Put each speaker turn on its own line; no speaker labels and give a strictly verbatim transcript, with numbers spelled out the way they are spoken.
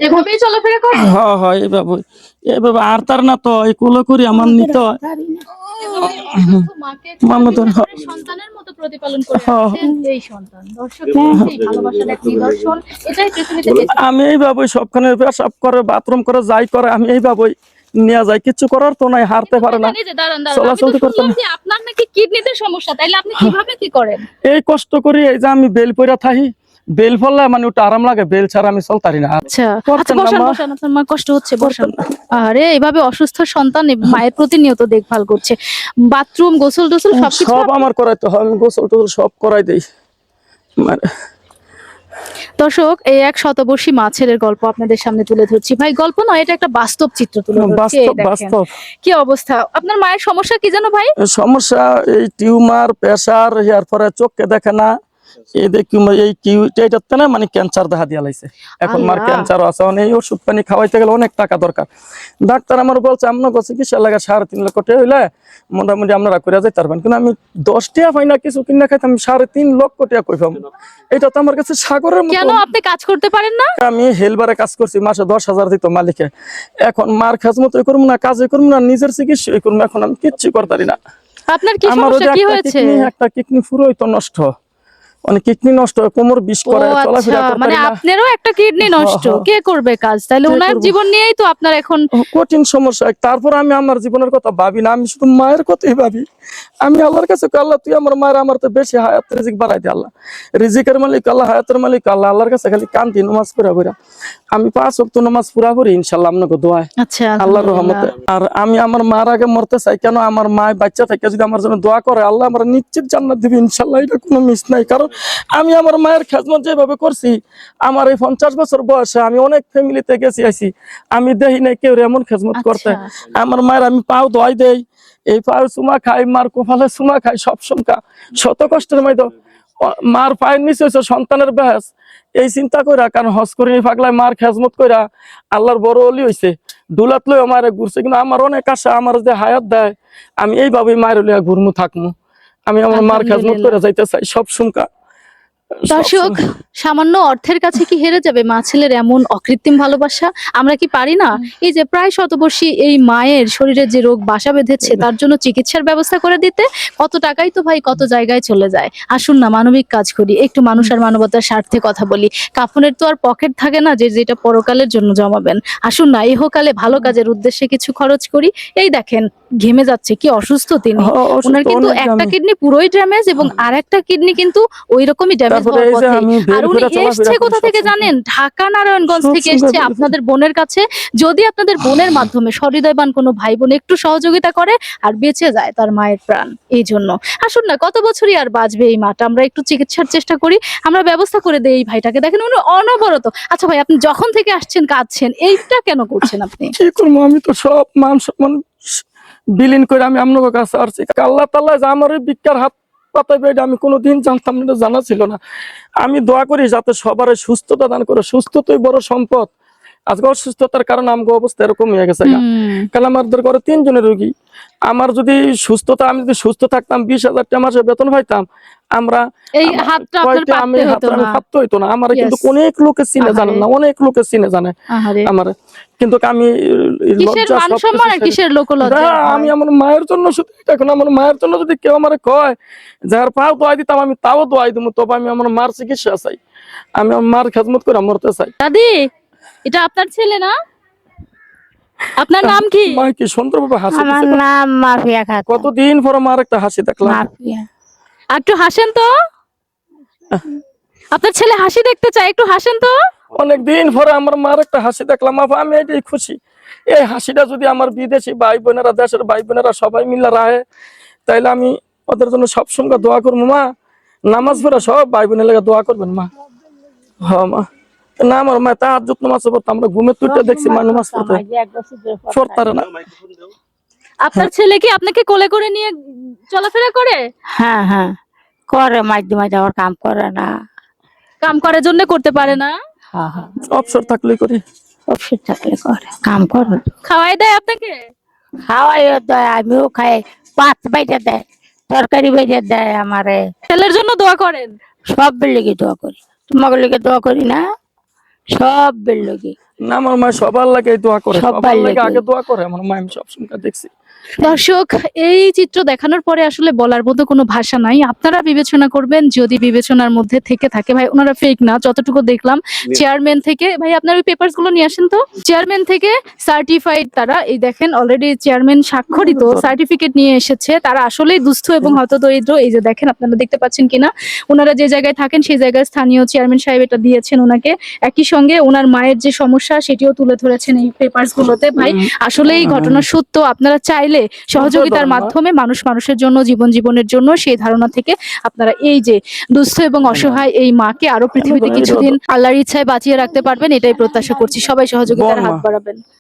এভাবেই চলাফেরা করে?
হ্যাঁ হ্যাঁ এইভাবে এইভাবে আর তার না তো এই কুলো করি আমার নিতে হয়।
এভাবেই অসুস্থ মাকে কাঁদিতে করে সন্তানের মতো প্রতিপালন করে আসছেন এই সন্তান। দর্শক, এই ভালোবাসার এক নিদর্শন, এটাই পৃথিবীতে বেঁচে।
আমি এইভাবে সবখানে পেশাব করে বাথরুম করে যাই করে আমি এইভাবে নিয়ে যাই, কিছু করার তো নাই, হারতে পারে না,
এই যে দাঁড়ান দাঁড়ান, আমি
চলাচল
তো
করতে
শুনলাম
না।
যে আপনার নাকি কিডনিতে সমস্যা, তাইলে আপনি কিভাবে কি করেন?
এই কষ্ট করি, এই যে আমি বেল পইরা থাকি, বেল ফললে মানে ওটা আরাম লাগে, বেল ছাড়া আমি চলতারি না।
আচ্ছা আচ্ছা,
করতেন না
বসান
মা?
বসান, আপনার মা কষ্ট হচ্ছে, বসান। আরে এইভাবে অসুস্থ সন্তান মায়ের প্রতিনিয়ত দেখভাল করছে, বাথরুম গোসল টোসল সবকিছু
সব
আপনি-
আমার করাইতে হয়, আমি গোসল টোসল সব করাই দেই। মানে
দর্শক, এই এক শতবর্ষী মা ছেলের গল্প আপনাদের সামনে তুলে ধরছি। ভাই গল্প নয়, এটা একটা বাস্তব চিত্র তুলে ধরছি। এই
বাস্তব
দেখেন
বাস্তব
কি অবস্থা। আপনার মায়ের সমস্যা কি জানো ভাই?
সমস্যা এই টিউমার, প্রেসার, এরপরে চোখকে দেখে না, এই দেখি এই কিউটাতে না মানে ক্যান্সার দেখা দিয়া লাইছে। এখন মার
আল্লাহ।
ক্যান্সার আছে, এই ওষুধ পানি খাওয়াইতে গেলে অনেক টাকা দরকার। ডাক্তার আমার বলছে আপনার কাছে চিকিৎসা লাগে সাড়ে তিন লক্ষ টাকা হইলে মোটামুটি আপনারা করে যাইতে পারবেন, কিন্তু আমি দশ টাকা পাই না কিছু কিনা খাইতে, আমি সাড়ে তিন লক্ষ টাকা কই পাবো? এটা তো আমার কাছে সাগরের মতো।
কেন আপনি কাজ করতে পারেন না?
আমি হেলবারে কাজ করছি, মাসে দশ হাজার দিত মালিকে। এখন মার খাজমতো করবো না, কাজে করবো না, নিজের চিকিৎসা করবো, এখন আমি কিচ্ছু করতে পারি না।
আপনার কি
আমার
সমস্যা, কি হয়েছে?
একটা কিডনি পুরোই তো নষ্ট, মানে কিডনি নষ্ট, কোমর বিষ করে,
ও
চলাফেরা
আচ্ছা,
করতে
মানে
পারি না।
আপনারও একটা কিডনি নষ্ট,
হ্যাঁ, হ্যাঁ।
কে করবে কাজ? তাহলে
কে
ওনার
করবে?
জীবন নিয়েই তো আপনার এখন
কঠিন সমস্যা। তারপর আমি আমার জীবনের কথা ভাবি না, আমি শুধু মায়ের কথাই ভাবি। আমি আল্লাহর কাছে কই, আল্লাহ তুই আমার মায়ের আমার তো বেশি হায়াত রিজিক বাড়াই দে আল্লাহ, রিজিকের মালিক আল্লাহ, হায়াতের মালিক আল্লাহ। আল্লাহর কাছে খালি কান্দি, নামাজ পুরা পুরা আমি পাঁচ ওয়াক্ত নামাজ পুরা করি ইনশাআল্লাহ আপনাকে দোয়ায়,
আচ্ছা
আল্লাহর রহমতে। আর আমি আমার মার আগে মরতে চাই, কেন আমার মা বাচ্চা থেকে যদি আমার জন্য দোয়া করে আল্লাহ আমার নিশ্চিত জান্নাত দিবে ইনশাআল্লাহ, এটা কোনো মিস নাই। কারণ আমি আমার মায়ের খেদমত যেভাবে করছি, আমার এই পঞ্চাশ বছর বয়সে আমি অনেক ফ্যামিলিতে গেছি আইছি, আমি দেখি নাই কেউ এমন খেদমত করতে। আমার মায়ের আমি পাও দোয়াই দেই, এই পায়ে চুমা খাই, মার কপালে চুমা খাই, সব সমকা শত কষ্টের মধ্যে মার পায়ের নিচে হচ্ছে সন্তানের বেহেস, এই চিন্তা কইরা, কারণ হজ করিনি পাগলায় মার খেজমত কইরা আল্লাহর বড় অলি হইছে, দুলাত লই মায়ের ঘুরছে। কিন্তু আমার অনেক আশা, আমার যে হায়াত দেয় আমি এইভাবেই মায়ের লইয়া ঘুরমু থাকমু, আমি আমার মার খেজমত করে যাইতে চাই সব সমকা।
দর্শক, সামান্য অর্থের কাছে কি হেরে যাবে মা ছেলের এমন অকৃত্রিম ভালোবাসা? আমরা কি পারি না এই যে প্রায় শতবর্ষী এই মায়ের শরীরে যে রোগ বাসা বেঁধেছে তার জন্য চিকিৎসার ব্যবস্থা করে দিতে? কত টাকাই তো ভাই কত জায়গায় চলে যায়। আসুন না মানবিক কাজ করি, একটু মানুষ আর মানবতার স্বার্থে কথা বলি। কাফনের তো আর পকেট থাকে না যে যেটা পরকালের জন্য জমাবেন। আসুন না ইহকালে ভালো কাজের উদ্দেশ্যে কিছু খরচ করি। এই দেখেন ঘেমে যাচ্ছে, কি অসুস্থ তিনি। ওনার কিন্তু একটা কিডনি পুরোই ড্যামেজ এবং আর একটা কিডনি কিন্তু ওই রকমই ড্যামেজ হওয়ার পথে। আর উনি এসছে কোথা থেকে জানেন? ঢাকা নারায়ণগঞ্জ থেকে এসছে আপনাদের বোনের কাছে। যদি আপনাদের বোনের মাধ্যমে সহৃদয়বান কোনো ভাই বোন একটু সহযোগিতা করে আর বেঁচে যায় তার মায়ের প্রাণ, এই জন্য আসুন না, কত বছরই আর বাঁচবে এই মাটা, আমরা একটু চিকিৎসার চেষ্টা করি, আমরা ব্যবস্থা করে দেই এই ভাইটাকে। দেখেন উনি অনবরত। আচ্ছা ভাই, আপনি যখন থেকে আসছেন কাঁদছেন, এইটা কেন করছেন আপনি?
কি করবো, আমি তো সব মান সম্মান বিলীন করে আমি আপনার কাছে আসছি। আল্লাহ তাআলা যে আমার এই ভিক্ষার হাত পাতাইবে এটা আমি কোনোদিন জানতাম না, জানা ছিল না। আমি দোয়া করি যাতে সবার সুস্থতা দান করে, সুস্থতাই বড় সম্পদ। আজকে অসুস্থতার কারণে আমার অবস্থা এরকম হয়ে গেছে, কারণ আমাদের ঘরে তিনজনের রোগী। আমার যদি সুস্থতা, আমি যদি সুস্থ থাকতাম বিশ হাজার টাকা মাসে বেতন পাইতাম, আমরা
এই হাতটা আপনার
আমি
পাততে হতো না।
পাততে হইতো না আমার। কিন্তু অনেক লোকে চিনে জানে না, অনেক লোকে চিনে জানে আমার, কিন্তু আমি
কিসের মান সম্মান আর কিসের লোকলজ্জা?
আমি আমার মায়ের জন্য শুধু, এখন আমার মায়ের জন্য যদি কেউ আমার কয় যার পাও দোয়াই দিতাম আমি তাও দোয়াই দিব, তবে আমি আমার মার চিকিৎসা চাই, আমি আমার মার খেদমত করে মরতে চাই।
দাদি, এটা আপনার ছেলে না? আপনার নাম কি?
মা কি সুন্দরভাবে হাসি দিছে।
আমার নাম মাফিয়া খাতুন।
কতদিন পরে মার একটা হাসি দেখলাম।
মাফিয়া।
আর একটু হাসেন তো, আপনার ছেলে হাসি দেখতে চায়, একটু হাসেন তো।
অনেকদিন পরে আমার মার একটা হাসি দেখলাম, আমি এটাই খুশি। এই হাসিটা যদি আমার বিদেশি ভাই বোনেরা, দেশের ভাই বোনেরা সবাই মিলে রাখে, তাইলে আমি ওদের জন্য সবসময় দোয়া করবো। মা নামাজ পড়া সব ভাই বোনের লেগে দোয়া করবেন মা। হ্যাঁ মা, না আমার মা তাহাজ্জুদ নামাজ পড়তে, আমরা ঘুমের তুইটা দেখছি মা নামাজ পড়তে পড়তারে না।
আপনার ছেলে কি আপনাকে কোলে করে নিয়ে চলাফেরা করে?
হ্যাঁ হ্যাঁ করে, মাঝে মাঝে আবার কাম করে না,
কাম করার জন্য করতে পারে না।
হ্যাঁ হ্যাঁ
অবসর থাকলে করি,
অবসর থাকলে করে, কাম করে।
খাওয়াই দেয় আপনাকে?
খাওয়াইও দেয়, আমিও খাই, পাত বাইরে দেয়, তরকারি বাইরে দেয় আমারে।
ছেলের জন্য দোয়া করেন?
সব লেগে দোয়া করি, তোমাকে লেগে দোয়া করি না, সব বেলগে
না আমার মা সবার লাগে দোয়া করে,
সবার
সবার লাগে
লাগে।
আগে দোয়া করে আমার মা, আমি সবসময় দেখছি।
দর্শক, এই চিত্র দেখানোর পরে আসলে বলার মতো কোনো ভাষা নাই। আপনারা বিবেচনা করবেন, যদি বিবেচনার মধ্যে থেকে থাকে। ভাই ওনারা ফেক না, যতটুকু দেখলাম চেয়ারম্যান থেকে। ভাই আপনার ওই পেপারস গুলো নিয়ে আসেন তো। চেয়ারম্যান থেকে সার্টিফাইড তারা, এই দেখেন অলরেডি চেয়ারম্যান স্বাক্ষরিত সার্টিফিকেট নিয়ে এসেছে। তারা আসলেই দুস্থ এবং হতদরিদ্র। এই যে দেখেন, আপনারা দেখতে পাচ্ছেন কিনা, ওনারা যে জায়গায় থাকেন সেই জায়গায় স্থানীয় চেয়ারম্যান সাহেব এটা দিয়েছেন ওনাকে। একই সঙ্গে ওনার মায়ের যে সমস্যা সেটিও তুলে ধরেছেন এই পেপারস গুলোতে। ভাই আসলে এই ঘটনা সত্য। আপনারা চাইলে সহযোগিতার মাধ্যমে মানুষ মানুষের জন্য, জীবন জীবনের জন্য, সেই ধারণা থেকে আপনারা এই যে দুস্থ এবং অসহায় এই মাকে আরো পৃথিবীতে কিছুদিন আল্লাহর ইচ্ছায় বাঁচিয়ে রাখতে পারবেন, এটাই প্রত্যাশা করছি। সবাই সহযোগিতার হাত বাড়াবেন।